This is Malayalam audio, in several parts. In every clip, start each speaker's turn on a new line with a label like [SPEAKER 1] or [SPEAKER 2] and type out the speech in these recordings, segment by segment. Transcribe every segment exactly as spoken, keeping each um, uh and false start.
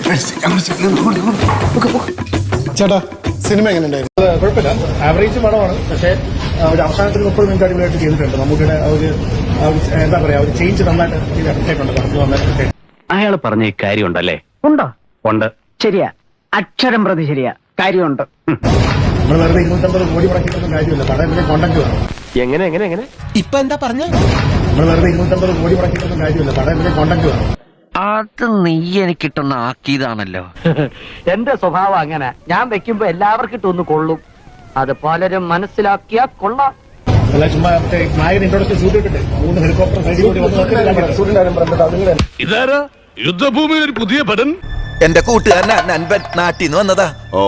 [SPEAKER 1] ചേട്ടാ സിനിമ എങ്ങനെ ഉണ്ടായിരുന്നു?
[SPEAKER 2] കുഴപ്പമില്ല, ആവറേജ് പടമാണ്. പക്ഷേ ഒരു അവസാനത്തിൽ മുപ്പത് മിനിറ്റ് അടിപൊളിയായിട്ട് ചെയ്തിട്ടുണ്ട്. നമുക്കിടെ ഒരു എന്താ പറയാ, ഒരു ചേഞ്ച് നന്നായിട്ട് ഇട്ടിട്ടുണ്ട്. പറഞ്ഞു നന്നായിട്ട്
[SPEAKER 3] അയാൾ പറഞ്ഞ ഈ കാര്യം ഉണ്ടല്ലേ?
[SPEAKER 4] ഉണ്ടോ?
[SPEAKER 3] ഉണ്ട്.
[SPEAKER 4] ശരിയാ, അക്ഷരം പ്രതി ശരിയാ, കാര്യമുണ്ട്.
[SPEAKER 2] നമ്മൾ വെറുതെ ഇരുന്നൂറ്റമ്പത് കോടി മുടക്കിയിട്ടൊന്നും കാര്യമില്ല. പടം ഇതിന്റെ കോണ്ടന്റ് വേണം.
[SPEAKER 3] എങ്ങനെ എങ്ങനെ എങ്ങനെ
[SPEAKER 5] ഇപ്പൊ എന്താ പറഞ്ഞ?
[SPEAKER 2] നമ്മൾ വെറുതെ ഇരുന്നൂറ്റമ്പത് കോടി മുടക്കിയിട്ടൊന്നും കാര്യമില്ല. പടം ഇതിന്റെ കോണ്ടന്റ് വേണം.
[SPEAKER 6] അത് നീ എനിക്കിട്ടൊന്ന് ആക്കിയതാണല്ലോ.
[SPEAKER 4] എന്റെ സ്വഭാവം അങ്ങനെ, ഞാൻ വെക്കുമ്പോ എല്ലാവർക്കും ഇട്ടൊന്ന് കൊള്ളും. അത് പലരും മനസ്സിലാക്കിയാ കൊള്ളാം.
[SPEAKER 2] അല്ല, ചുമ്മാ നായകൻ ഇൻട്രോഡക്ഷൻ ഷൂട്ട് ഇട്ടിട്ട് മൂന്ന് ഹെലികോപ്റ്റർ സൈഡിൽ കൂടി വന്ന്
[SPEAKER 7] ഇതാരാ യുദ്ധഭൂമിയിൽ ഒരു പുതിയ പടൻ?
[SPEAKER 5] എന്റെ കൂട്ടുകാരൻ നൻപൻ നാട്ടിൽ നിന്ന് വന്നതാ. ഓ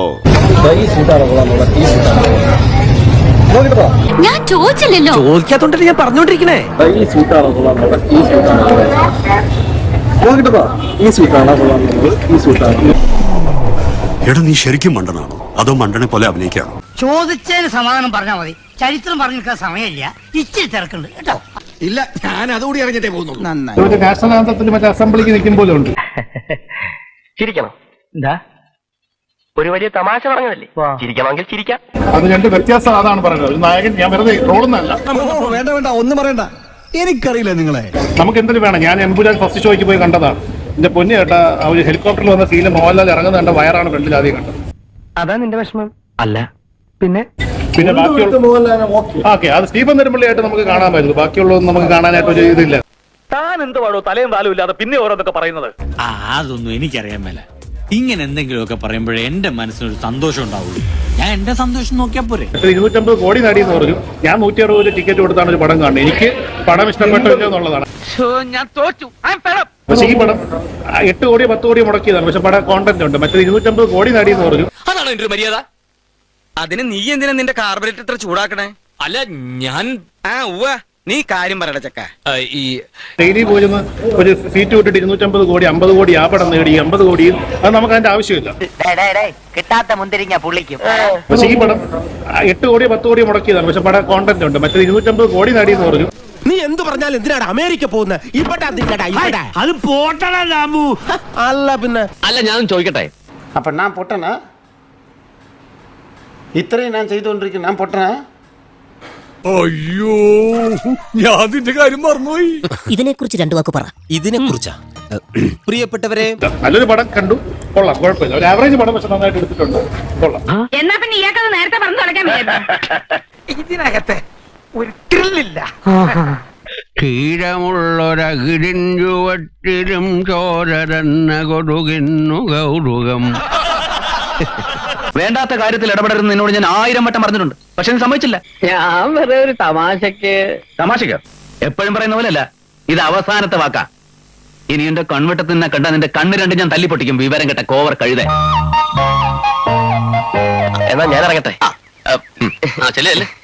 [SPEAKER 8] ഞാൻ ചോദിച്ചില്ലല്ലോ.
[SPEAKER 5] ചോദിക്കാത്തോണ്ടല്ലേ ഞാൻ പറഞ്ഞോണ്ടിരിക്കണേ.
[SPEAKER 7] എടാ, നീ ശരിക്കും മണ്ടനാണോ അതോ മണ്ടനെ പോലെ അഭിനയിക്കാണോ?
[SPEAKER 4] ചോദിച്ചതിന് സമാധാനം പറഞ്ഞാൽ മതി. ചരിത്രം പറഞ്ഞു നിൽക്കാൻ സമയമില്ല, ഇച്ചിരി തിരക്കുണ്ട് കേട്ടോ.
[SPEAKER 5] ഇല്ല, ഞാൻ അതുകൂടി അറിഞ്ഞിട്ടേ പോകുന്നുള്ളൂ.
[SPEAKER 2] നാഷണൽ ആന്തത്തിൽ മറ്റേ അസംബ്ലിക്ക് നിൽക്കും പോലെ ഉണ്ട്.
[SPEAKER 3] ചിരിക്കണം. എന്താ ഒരു വലിയ തമാശ പറഞ്ഞതല്ലേ? ചിരിക്കണമെങ്കിൽ ചിരിക്കാം.
[SPEAKER 2] അത് രണ്ട് വ്യത്യാസം അതാണ് പറയുന്നത്. ഒരു നായകൻ, ഞാൻ വെറുതെ റോളൊന്നല്ല.
[SPEAKER 5] വേണ്ട വേണ്ട, ഒന്നും പറയണ്ട, എനിക്കറിയില്ല നിങ്ങളെ.
[SPEAKER 2] നമുക്ക് എന്തെങ്കിലും വേണം. ഞാൻ എംപുരാൻ ഫസ്റ്റ് ഷോയ്ക്ക് പോയി കണ്ടതാണ്. എന്റെ പൊന്നു ചേട്ടാ, ഒരു ഹെലികോപ്റ്ററിൽ വന്ന സീനിൽ മോഹൻലാൽ ഇറങ്ങുന്ന കണ്ട വയറാണ് ഫ്രണ്ടിൽ ആദ്യം കണ്ടത്.
[SPEAKER 4] അതാ നിന്റെ വിഷമം?
[SPEAKER 3] അല്ല,
[SPEAKER 4] പിന്നെ
[SPEAKER 2] പിന്നെ ബാക്കിയുള്ള ഓക്കെ, അത് സ്റ്റീഫൻ നെടുമ്പള്ളിയായിട്ട് നമുക്ക് കാണാമായിരുന്നു. ബാക്കിയുള്ളതൊന്നും നമുക്ക് കാണാനായിട്ട് ഒരു ഇതില്ല.
[SPEAKER 3] താൻ എന്ത് പാടോ തലയും താലും ഇല്ലാതെ പിന്നെ ഓരോന്നൊക്കെ പറയുന്നത്?
[SPEAKER 9] ആ അതൊന്നും എനിക്കറിയാൻ മേല. ഇങ്ങനെ എന്തെങ്കിലുമൊക്കെ പറയുമ്പോഴേ എന്റെ മനസ്സിനൊരു സന്തോഷം ഉണ്ടാവുള്ളൂ. ഞാൻ എന്റെ സന്തോഷം നോക്കിയാ പോരെ.
[SPEAKER 2] ഇരുന്നൂറ്റമ്പത് കോടി നേടിയെന്ന് പറഞ്ഞു. ഞാൻ നൂറ്റി അറുപത് ടിക്കറ്റ് കൊടുത്താണ് ഒരു പടം കാണുന്നത്. എനിക്ക് പടം ഇഷ്ടപ്പെട്ടില്ല എന്നുള്ളതാണ്.
[SPEAKER 4] ഞാൻ തോറ്റു.
[SPEAKER 2] പക്ഷെ ഈ പടം എട്ട് കോടി പത്ത് കോടി മുടക്കിയതാണ്. പക്ഷെ പടം കോണ്ടന്റ് ഉണ്ട്. മറ്റേ ഇരുന്നൂറ്റമ്പത് കോടി നേടിയെന്ന് പറഞ്ഞു.
[SPEAKER 6] അതാണ് എന്റെ ഒരു മര്യാദ. അതിന് നീ എന്തിനാ നിന്റെ കാർബറേറ്റർ ഇത്ര ചൂടാക്കണേ?
[SPEAKER 9] അല്ല ഞാൻ
[SPEAKER 6] ആ ഉവ്വ, നീ കാര്യം പറയട ചക്ക.
[SPEAKER 9] ഈ
[SPEAKER 2] ഡെയിലി പോയിരുന്ന് ഒരു സീറ്റ് വിട്ടിട്ട് ഇരുന്നൂറ്റമ്പത് കോടി അമ്പത് കോടി ആ പടം നേടി അമ്പത് കോടി, അത് നമുക്ക് അതിന്റെ ആവശ്യമില്ല.
[SPEAKER 4] കിട്ടാത്ത മുന്തിരിങ്ങ പുള്ളിക്കും.
[SPEAKER 2] പക്ഷെ ഈ പടം എട്ട് കോടി പത്ത് കോടി മുടക്കിയതാണ്. പക്ഷെ പടം കോണ്ടന്റ് ഉണ്ട്. മറ്റേ ഇരുന്നൂറ്റമ്പത് കോടി നേടിയെന്ന് പറഞ്ഞു.
[SPEAKER 5] നീ എന്ത് പറഞ്ഞാലും എന്തിനാണ് അമേരിക്ക പോകുന്നത്? ഇവിടെ
[SPEAKER 9] അത് പോട്ടണു.
[SPEAKER 5] അല്ല പിന്നെ
[SPEAKER 3] അല്ല, ഞാൻ ചോദിക്കട്ടെ,
[SPEAKER 10] அப்போ நான் பொட்டனா? ഇത്രയും ഞാൻ ചെയ്തുകൊണ്ടിരിക്കുന്നു, ഞാൻ പൊട്ടനാ?
[SPEAKER 7] അയ്യോ, ഞാൻ അതിന്റെ കാര്യം മറന്നുപോയി.
[SPEAKER 8] ഇതിനെ കുറിച്ച് രണ്ടു വാക്ക് പറ.
[SPEAKER 5] ഇതിനെ കുറിച്ചാ പ്രിയപ്പെട്ടവരെ,
[SPEAKER 2] നല്ലൊരു പടം കണ്ടു, കൊള്ളാം, കുഴപ്പമില്ല. ഒരു ആവറേജ് പടം പക്ഷെ നന്നായിട്ട് എടുത്തിട്ടുണ്ട്, കൊള്ളാം.
[SPEAKER 8] എന്നാ പിന്നെ ഇയാൾക്കത് നേരത്തെ പറഞ്ഞു തുടങ്ങാൻ.
[SPEAKER 4] ഇതിനകത്തെ ഒരു ത്രില്ലില്ല.
[SPEAKER 6] ക്ഷീരമുള്ളൊരകിടിൻ ചുവട്ടിലും ചോരരന്ന കൊടുകിന്നു കൗതുകം.
[SPEAKER 3] വേണ്ടാത്ത കാര്യത്തിൽ ഇടപെടരുന്ന് നിന്നോട് ഞാൻ ആയിരം വട്ടം പറഞ്ഞിട്ടുണ്ട്. പക്ഷെ നീ സമ്മതിച്ചില്ല.
[SPEAKER 4] ഞാൻ വെറുതെ ഒരു തമാശക്ക്.
[SPEAKER 3] തമാശക്ക് എപ്പോഴും പറയുന്ന പോലെ അല്ല, ഇത് അവസാനത്തെ വാക്കാ. ഇനി എന്റെ കൺവെട്ടത്തിൽ നിന്നെ കണ്ട നിന്റെ കണ്ണ് രണ്ട് ഞാൻ തല്ലിപ്പൊട്ടിക്കും. വിവരം കേട്ട കോവർ കഴുത. എന്നാ ഞാൻ ഇറങ്ങട്ടെ. ചെല്ലേ